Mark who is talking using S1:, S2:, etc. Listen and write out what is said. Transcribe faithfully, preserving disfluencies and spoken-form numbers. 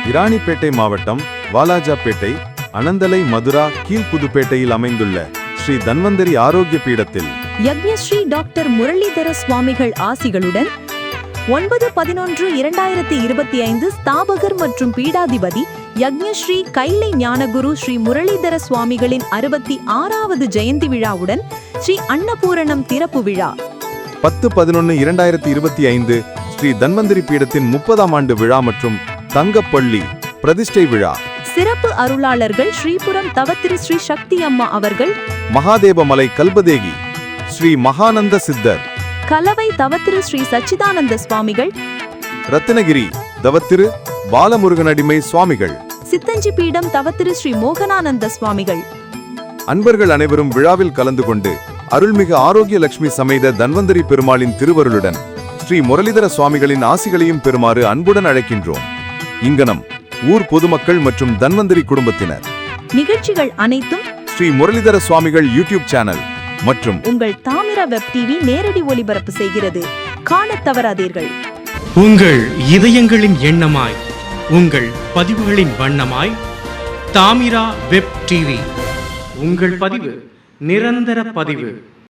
S1: இராணிப்பேட்டை மாவட்டம் வாலாஜாப்பேட்டை அனந்தலை மதுரா கீழ்புதுப்பேட்டையில் அமைந்துள்ள ஸ்ரீ தன்வந்தரி ஆரோக்கிய பீடத்தில்
S2: யக்ஞஸ்ரீ டாக்டர் முரளிதர சுவாமிகள் ஆசிகளுடன் ஒன்பது பதினொன்று இரண்டாயிரத்தி இருபத்தி ஐந்து ஸ்தாபகர் மற்றும் பீடாதிபதி யக்ஞஸ்ரீ கைலை ஞானகுரு ஸ்ரீ முரளிதர சுவாமிகளின் அறுபத்தி ஆறாவது ஜெயந்தி விழாவுடன் ஸ்ரீ அன்னபூரணம் திறப்பு விழா
S1: பத்து பதினொன்று இரண்டாயிரத்தி இருபத்தி ஐந்து ஸ்ரீ தன்வந்தரி பீடத்தின் முப்பதாம் ஆண்டு விழா மற்றும் தங்கப்பள்ளி பிரதிஷ்டை விழா.
S2: சிறப்பு அருளாளர்கள் ஸ்ரீபுரம் தவத்திரு ஸ்ரீ சக்தி அம்மா அவர்கள்,
S1: மகாதேவமலை கல்பதேகி ஸ்ரீ மகானந்த சித்தர்,
S2: கலவை தவத்திரு ஸ்ரீ சச்சிதானந்த சுவாமிகள்,
S1: ரத்தினகிரி தவத்திரு பாலமுருகனடிமை சுவாமிகள்,
S2: சித்தஞ்சி பீடம் தவத்திரு ஸ்ரீ மோகனானந்த சுவாமிகள்.
S1: அன்பர்கள் அனைவரும் விழாவில் கலந்து கொண்டு அருள்மிகு ஆரோக்கிய லட்சுமி சமேத தன்வந்தரி பெருமாளின் திருவருளுடன் ஸ்ரீ முரளிதர சுவாமிகளின் ஆசிகளையும் பெறுமாறு அன்புடன் அழைக்கின்றோம். இங்கனம் ஊர் பொதுமக்கள் மற்றும் தன்வந்தரி குடும்பத்தினர்.
S2: நிகழ்ச்சிகள் அனைத்தும்
S1: ஸ்ரீ முரளிதர சுவாமிகள் யூடியூப் சேனல் மற்றும்
S2: உங்கள் தாமிர வெப் டிவி நேரடி ஒளிபரப்பு செய்கிறது. காணத் தவறாதீர்கள்.
S3: உங்கள் இதயங்களின் எண்ணமாய், உங்கள் பதிவுகளின் வண்ணமாய் தாமிரா வெப் டிவி. உங்கள் பதிவு நிரந்தர பதிவு.